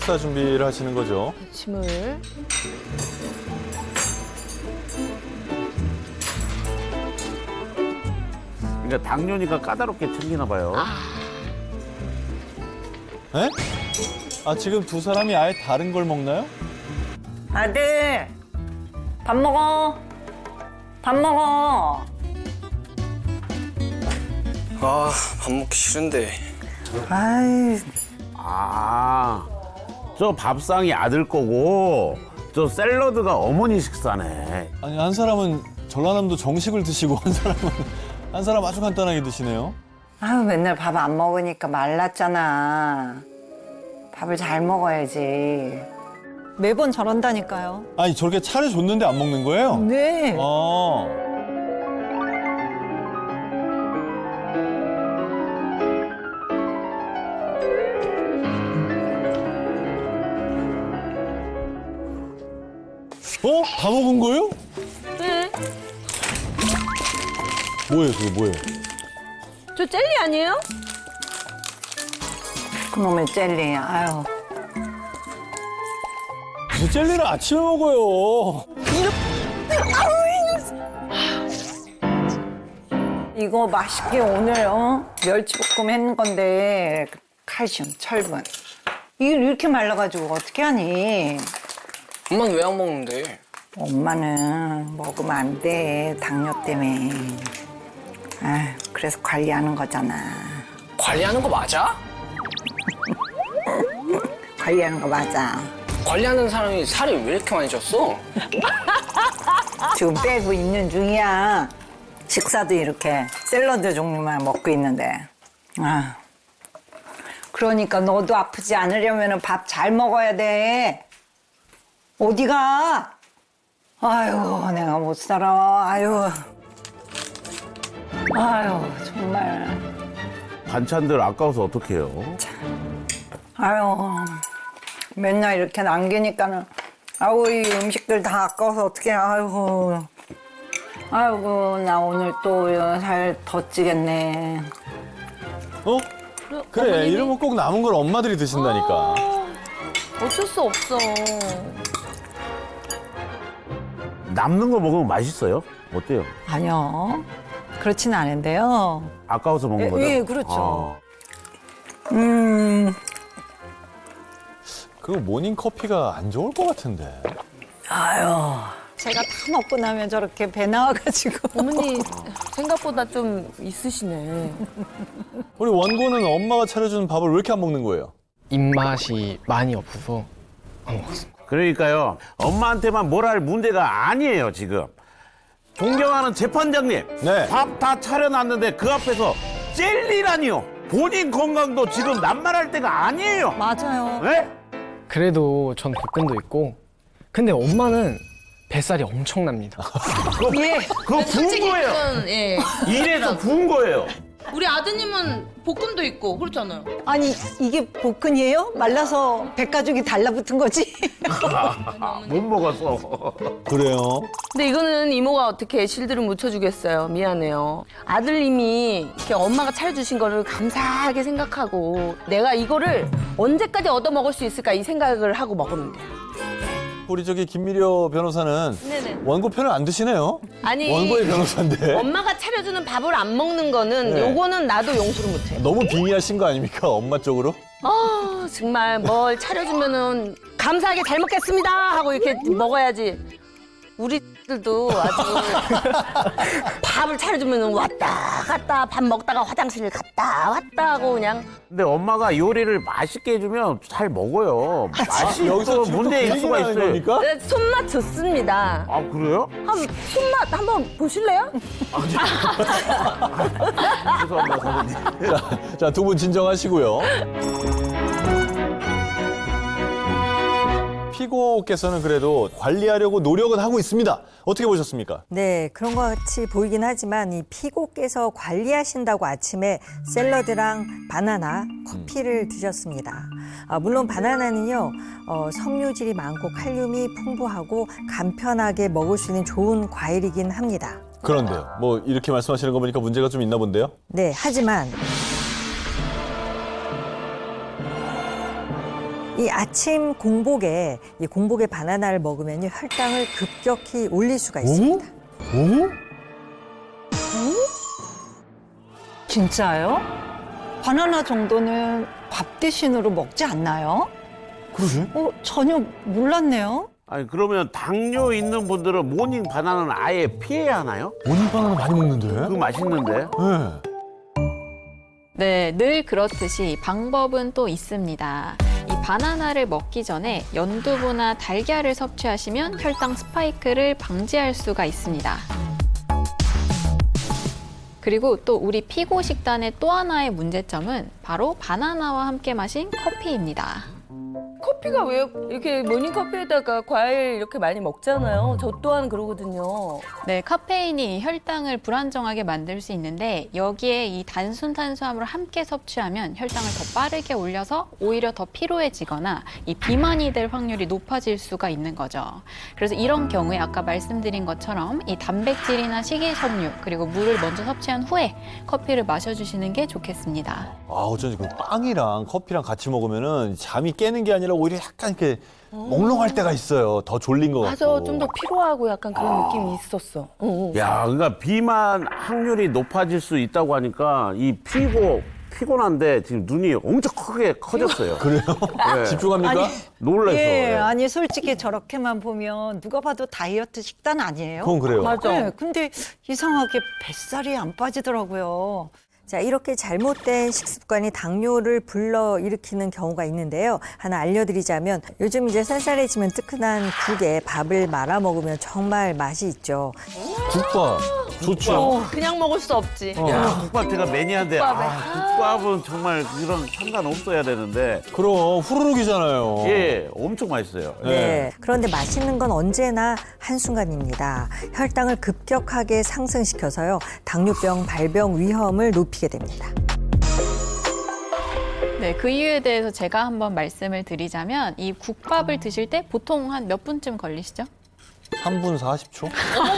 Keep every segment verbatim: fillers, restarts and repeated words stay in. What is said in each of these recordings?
식사 준비를 하시는 거죠? 짐을. 그러니까 당뇨니까 까다롭게 챙기나 봐요. 에? 아, 지금 두 사람이 아예 다른 걸 먹나요? 아들, 밥 먹어. 밥 먹어. 아, 밥 먹기 싫은데. 아이, 아, 저 밥상이 아들 거고 저 샐러드가 어머니 식사네. 아니, 한 사람은 전라남도 정식을 드시고 한 사람은 한 사람 아주 간단하게 드시네요. 아유, 맨날 밥 안 먹으니까 말랐잖아. 밥을 잘 먹어야지. 매번 저런다니까요. 아니, 저렇게 차려줬는데 안 먹는 거예요? 네. 아. 어? 다 먹은 거예요? 네. 뭐예요, 그게 뭐예요? 저 젤리 아니에요? 그놈의 젤리, 아유. 무슨 젤리를 아침에 먹어요. 이거 맛있게 오늘, 어? 멸치볶음 했는 건데, 칼슘, 철분. 이걸 이렇게 말라가지고 어떻게 하니? 엄마는 왜 안 먹는데? 엄마는 먹으면 안 돼, 당뇨 때문에. 아, 그래서 관리하는 거잖아. 관리하는 거 맞아? 관리하는 거 맞아. 관리하는 사람이 살이 왜 이렇게 많이 쪘어? 지금 빼고 있는 중이야. 식사도 이렇게 샐러드 종류만 먹고 있는데. 아, 그러니까 너도 아프지 않으려면 밥 잘 먹어야 돼. 어디가? 아유, 내가 못 살아. 아유. 아유, 정말. 반찬들 아까워서 어떡해요? 아유, 맨날 이렇게 남기니까는, 아우, 이 음식들 다 아까워서 어떡해, 아이고. 아이고, 나 오늘 또 살 더 찌겠네. 어? 그래, 어머님이- 이러면 꼭 남은 걸 엄마들이 드신다니까. 아, 어쩔 수 없어. 남는 거 먹으면 맛있어요? 어때요? 아니요. 그렇진 않은데요. 아까워서 먹는 예, 거죠? 예, 그렇죠. 음, 그거 모닝 커피가 안 좋을 것 같은데. 아유. 제가 다 먹고 나면 저렇게 배 나와가지고. 어머니 생각보다 좀 있으시네. 우리 원고는 엄마가 차려준 밥을 왜 이렇게 안 먹는 거예요? 입맛이 많이 없어서 안 먹었습니다. 그러니까요. 엄마한테만 뭘 할 문제가 아니에요, 지금. 존경하는 재판장님. 네. 밥 다 차려놨는데 그 앞에서 젤리라니요. 본인 건강도 지금 남말할 때가 아니에요. 맞아요. 네? 그래도 전 복근도 있고 근데 엄마는 뱃살이 엄청납니다. 그거, 예. 그거 부은 거예요. 그건, 예. 이래서 부은 거예요. 우리 아드님은 복근도 있고 그렇잖아요. 아니, 이게 복근이에요? 말라서 백가죽이 달라붙은 거지? 못 먹어서. 그래요? 근데 이거는 이모가 어떻게 실드를 묻혀주겠어요. 미안해요. 아들님이 이렇게 엄마가 차려주신 거를 감사하게 생각하고 내가 이거를 언제까지 얻어먹을 수 있을까 이 생각을 하고 먹으면 돼요. 우리 저기 김미려 변호사는 네네. 원고 편을 안 드시네요. 아니 원고의 변호사인데. 엄마가 차려주는 밥을 안 먹는 거는 네. 요거는 나도 용서를 못해. 너무 빙의하신 거 아닙니까? 엄마 쪽으로? 아 정말 뭘 차려주면은 감사하게 잘 먹겠습니다 하고 이렇게 먹어야지. 우리들도 아주 밥을 차려주면은 왔다 갔다 밥 먹다가 화장실 갔다 왔다 하고 그냥. 근데 엄마가 요리를 맛있게 해주면 잘 먹어요. 맛이 여기서 또 지금 또 문제일 그 수가 얘기를 하는 있어요. 겁니까? 네, 손맛 좋습니다. 아, 그래요? 한 손맛 한번 보실래요? 죄송합니다, 선생님. 자, 두 분 진정하시고요. 피고께서는 그래도 관리하려고 노력은 하고 있습니다. 어떻게 보셨습니까? 네, 그런 것 같이 보이긴 하지만 이 피고께서 관리하신다고 아침에 샐러드랑 바나나, 커피를 드셨습니다. 아, 물론 바나나는요, 어, 섬유질이 많고 칼륨이 풍부하고 간편하게 먹을 수 있는 좋은 과일이긴 합니다. 그런데요. 뭐 이렇게 말씀하시는 거 보니까 문제가 좀 있나 본데요? 네, 하지만 이 아침 공복에 이 공복에 바나나를 먹으면요 혈당을 급격히 올릴 수가 있습니다. 오? 진짜요? 바나나 정도는 밥 대신으로 먹지 않나요? 그러지? 어, 전혀 몰랐네요. 아니 그러면 당뇨 있는 분들은 모닝 바나나는 아예 피해야 하나요? 모닝 바나나 많이 먹는데? 그거 맛있는데. 네. 네, 늘 그렇듯이 방법은 또 있습니다. 이 바나나를 먹기 전에 연두부나 달걀을 섭취하시면 혈당 스파이크를 방지할 수가 있습니다. 그리고 또 우리 피고 식단의 또 하나의 문제점은 바로 바나나와 함께 마신 커피입니다. 커피가 왜 이렇게 모닝커피에다가 과일 이렇게 많이 먹잖아요. 저 또한 그러거든요. 네, 카페인이 혈당을 불안정하게 만들 수 있는데 여기에 이 단순 탄수화물을 함께 섭취하면 혈당을 더 빠르게 올려서 오히려 더 피로해지거나 이 비만이 될 확률이 높아질 수가 있는 거죠. 그래서 이런 경우에 아까 말씀드린 것처럼 이 단백질이나 식이섬유 그리고 물을 먼저 섭취한 후에 커피를 마셔주시는 게 좋겠습니다. 아, 어쩐지 그 빵이랑 커피랑 같이 먹으면은 잠이 깨는 게 아니라 오히려 약간 이렇게 몽롱할 때가 있어요. 더 졸린 것 맞아, 같고. 좀 더 피로하고 약간 그런 느낌이 있었어. 응, 응. 야, 그러니까 비만 확률이 높아질 수 있다고 하니까 이 피고 피곤한데 지금 눈이 엄청 크게 커졌어요. 그래요? 네. 집중합니까? 아니, 놀라서. 예, 예. 아니 솔직히 저렇게만 보면 누가 봐도 다이어트 식단 아니에요? 그건 그래요. 맞아. 네, 근데 이상하게 뱃살이 안 빠지더라고요. 자, 이렇게 잘못된 식습관이 당뇨를 불러일으키는 경우가 있는데요. 하나 알려드리자면 요즘 이제 쌀쌀해지면 뜨끈한 국에 밥을 말아 먹으면 정말 맛이 있죠. 국밥 좋죠. 그냥 먹을 수 없지. 야, 국밥 제가 매니아인데 아, 국밥은 정말 그런 상관없어야 되는데 그럼 후루룩이잖아요. 예, 엄청 맛있어요. 네. 그런데 맛있는 건 언제나 한순간입니다. 혈당을 급격하게 상승시켜서요. 당뇨병 발병 위험을 높이게 됩니다. 네, 그 이유에 대해서 제가 한번 말씀을 드리자면 이 국밥을 드실 때 보통 한 몇 분쯤 걸리시죠? 삼 분 사십 초?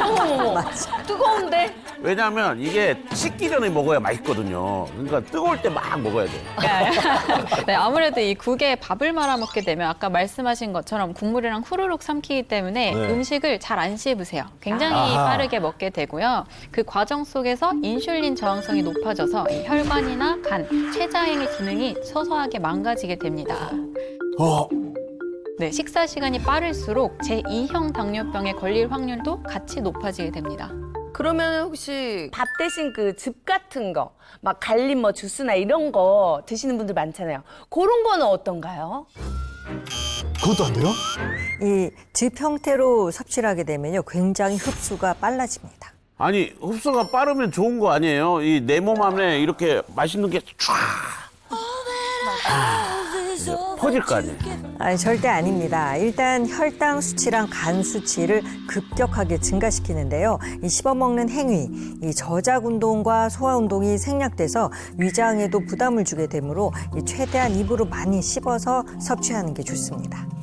뜨거운데? 왜냐하면 이게 식기 전에 먹어야 맛있거든요. 그러니까 뜨거울 때 막 먹어야 돼요. 네, 아무래도 이 국에 밥을 말아 먹게 되면 아까 말씀하신 것처럼 국물이랑 후루룩 삼키기 때문에 네. 음식을 잘 안 씹으세요. 굉장히 아하. 빠르게 먹게 되고요. 그 과정 속에서 인슐린 저항성이 높아져서 이 혈관이나 간, 췌장의 기능이 서서하게 망가지게 됩니다. 어, 네, 식사 시간이 빠를수록 제이형 당뇨병에 걸릴 확률도 같이 높아지게 됩니다. 그러면 혹시 밥 대신 그 즙 같은 거, 막 갈린 뭐 주스나 이런 거 드시는 분들 많잖아요. 그런 거는 어떤가요? 그것도 안 돼요? 이 즙 형태로 섭취를 하게 되면요. 굉장히 흡수가 빨라집니다. 아니 흡수가 빠르면 좋은 거 아니에요? 이 내 몸 안에 이렇게 맛있는 게 쫙 퍼질 거 아니에요? 아니, 절대 아닙니다. 일단 혈당 수치랑 간 수치를 급격하게 증가시키는데요. 이 씹어먹는 행위, 이 저작 운동과 소화 운동이 생략돼서 위장에도 부담을 주게 되므로 이 최대한 입으로 많이 씹어서 섭취하는 게 좋습니다.